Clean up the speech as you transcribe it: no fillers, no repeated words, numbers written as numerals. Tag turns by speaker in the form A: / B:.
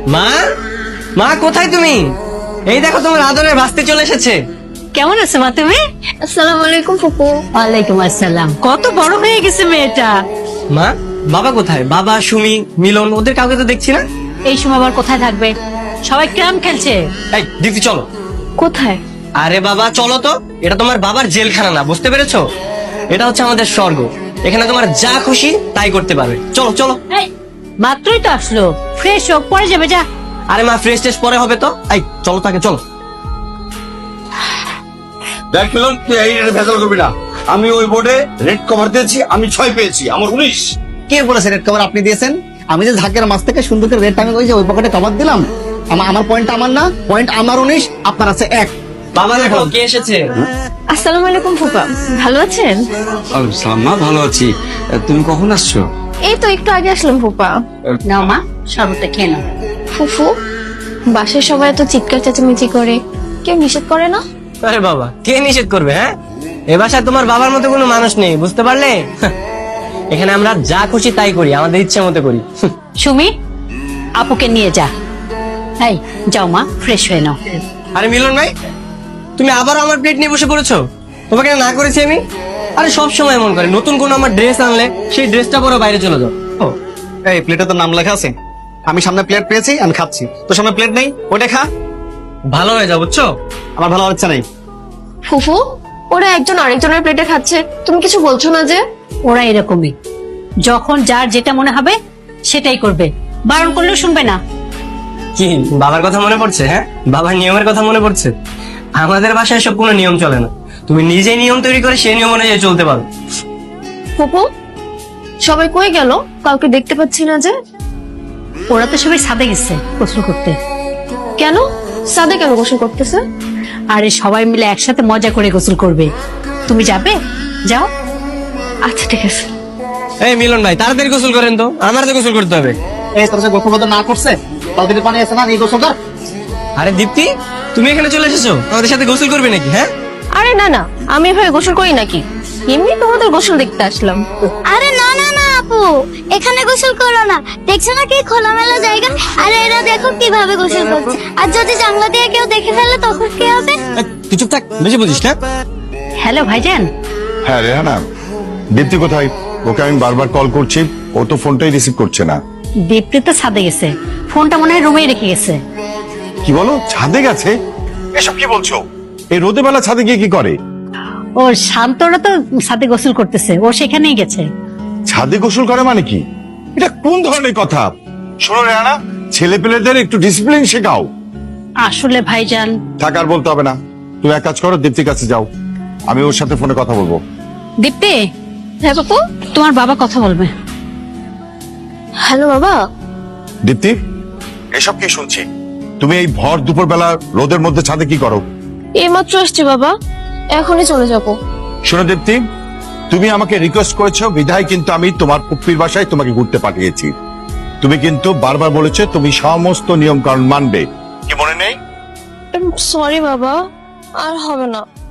A: মা, মা কোথায় তুমি? এই দেখো তোমার আদরের ভাস্তি চলে এসেছে।
B: কেমন আছো মা তুমি?
C: আসসালামু আলাইকুম ফুপু।
B: ওয়ালাইকুম আসসালাম। কত বড় হয়ে গেছে মেয়েটা।
A: মা, বাবা কোথায়? বাবা, সুমি, মিলন, ওদের কাউকে তো দেখছি না।
B: এই সময় আবার কোথায় থাকবে? সবাই ক্যারাম খেলছে।
A: এই দীপ্তি চলো।
C: কোথায়?
A: আরে বাবা চলো তো, এটা তোমার বাবার জেলখানা না, বুঝতে পেরেছো? এটা হচ্ছে আমাদের স্বর্গ। এখানে তোমার যা খুশি তাই করতে পারবে। চলো চলো।
B: এই, মাত্রই তো আসলো, ফ্রেশ হোক, পরে যাবে। যা।
A: আরে মা, ফ্রেশ টেস্ট পরে হবে তো। এই চলো তাকে, চলো।
D: দেখ মিলন, তুই এই ভেজাল করবি না। আমি ওই বোর্ডে রেড কভার দিয়েছি, আমি 6 পেয়েছি, আমার 19।
E: কে বলেছে রেড কভার আপনি দিয়েছেন? আমি যে ঝাঁকের মাছ থেকে সুন্দর করে রেড টাঙে ওই পকেটে কভার দিলাম। আমার পয়েন্টটা আমার না, পয়েন্ট আমার 19, আপনার আছে 1।
A: বাবা দেখো কে এসেছে।
C: আসসালামু আলাইকুম ফুপা, ভালো আছেন?
D: সালমা, ভালো আছি। তুমি কখন আসছো?
C: এই তো একটু আগে আসলাম ফুপা।
B: নাও মা, শরবতটা খেয়ে নাও।
C: ফুফু, বাসায় সবাই এত চিৎকার চেঁচামেচি করে, কেউ নিষেধ করে না?
A: আরে বাবা, কে নিষেধ করবে? হ্যাঁ, এ বাসায় তোমার বাবার মতো কোনো মানুষ নেই, বুঝতে পারলে? এখানে আমরা যা খুশি তাই করি, আমাদের ইচ্ছে মতো করি।
B: সুমি, আপুকে নিয়ে যা। এই যাও মা, ফ্রেশ হয়ে নাও।
A: আরে মিলন ভাই, তুমি আবার আমার প্লেট নিয়ে বসে পড়েছো। তোমাকে না করেছি আমি? আরে সব সময় এমন করে, নতুন কোনো আমার ড্রেস আনলে সেই ড্রেসটা পরে বাইরে চলে যাও।
E: ও, এই প্লেটে তো নাম লেখা আছে। আমি সামনে প্লেট পেয়েছি, আমি খাচ্ছি। তো সামনে প্লেট নেই, ওটা খা।
A: ভালো হয়ে যাও, বুঝছো?
E: আমার ভালো হচ্ছে নাই।
C: ফুফু, ওরা একজন আরেকজনের প্লেটে খাচ্ছে, তুমি কিছু বলছো না যে?
B: ওরা এরকমই, যখন যার যেটা মনে হবে সেটাই করবে, বারণ করলেও শুনবে না।
A: কি বাবার কথা মনে পড়ছে? হ্যাঁ, বাবার নিয়মের কথা মনে পড়ছে? আমাদের বাসায় সব কোনো নিয়ম চলে না। তুমি নিজেই নিয়ম তৈরি করে সেই নিয়ম অনুযায়ী চলতে পারো।
C: ফুফু, সবাই কই গেল? কাউকে দেখতে পাচ্ছি না যে।
B: ওরা তো সবাই ছাদে গেছে গোসল করতে।
C: কেন? সাদে কেন গোসল করতেছে?
B: আরে সবাই মিলে একসাথে মজা করে গোসল করবে। তুমি যাবে? যাও।
C: আচ্ছা ঠিক আছে।
A: এই মিলন ভাই, তাড়াতাড়ি গোসল করেন তো, আমার তো গোসল করতে হবে।
E: এই তোর যে গোসল না করছে, তাদের পানি আছে না, এই গোসল কর।
A: আরে দীপ্তি, তুমি এখানে চলে এসেছো, আমাদের সাথে গোসল করবে নাকি? হ্যাঁ,
C: আরে না না, আমি এভাবে গোসল করি নাকি? এমনি তোমাদের গোসল দেখতে আসলাম।
F: আরে না না না আপু, এখানে গোসল করো না। দেখছো না কি খোলামেলা জায়গা? আরে এরা দেখো কিভাবে গোসল করছে। আর যদি জানলা দিয়ে কেউ দেখে ফেলে তখন কি হবে?
A: এই, তুই চুপ থাক, বেশি বুঝিস না।
B: হ্যালো ভাইজান।
D: হ্যাঁ রেহানা, দীপ্তি কোথায়? ওকে আমি বারবার কল করছি, ও তো ফোনটাই রিসিভ করছে না।
B: দীপ্তি তো ছাদে গেছে, ফোনটা মনে হয় রুমেই রেখে গেছে।
D: কি বলো, ছাদে গেছে? এসব কি বলছো? এই রোদে বেলা ছাদে গিয়ে কি করে?
B: ও শান্তরা তো ছাদে গোসল করতেছে, ও সেখানেই গেছে।
D: ছাদে গোসল করে মানে কি? এটা কোন ধরনের কথা? শোনো রেহানা, ছেলে পেলেদের একটু ডিসিপ্লিন শেখাও।
B: আসলে ভাইজান।
D: থাক, আর বলতে হবে না। তুমি এক কাজ করো, দীপ্তির কাছে যাও, আমি ওর সাথে ফোনে কথা বলবো।
B: দীপ্তি,
C: হ্যাঁ বাপু।
B: তোমার বাবা কথা বলবে।
C: হ্যালো বাবা।
D: দীপ্তি, এসব কি শুনছি? তুমি এই ভর দুপুর বেলা রোদের মধ্যে ছাদে কি করো?
C: এইমাত্র এসছি বাবা, এখনই চলে যাব।
D: শোনো দীপ্তি, তুমি আমাকে রিকোয়েস্ট করেছো বিধায় কিন্তু আমি তোমার পুপ্পির বাসায় তোমাকে ঘুরতে পাঠিয়েছি। তুমি কিন্তু বারবার বলেছো তুমি সমস্ত নিয়ম কানুন মানবে, কি মনে নেই?
C: সরি বাবা, আর হবে না।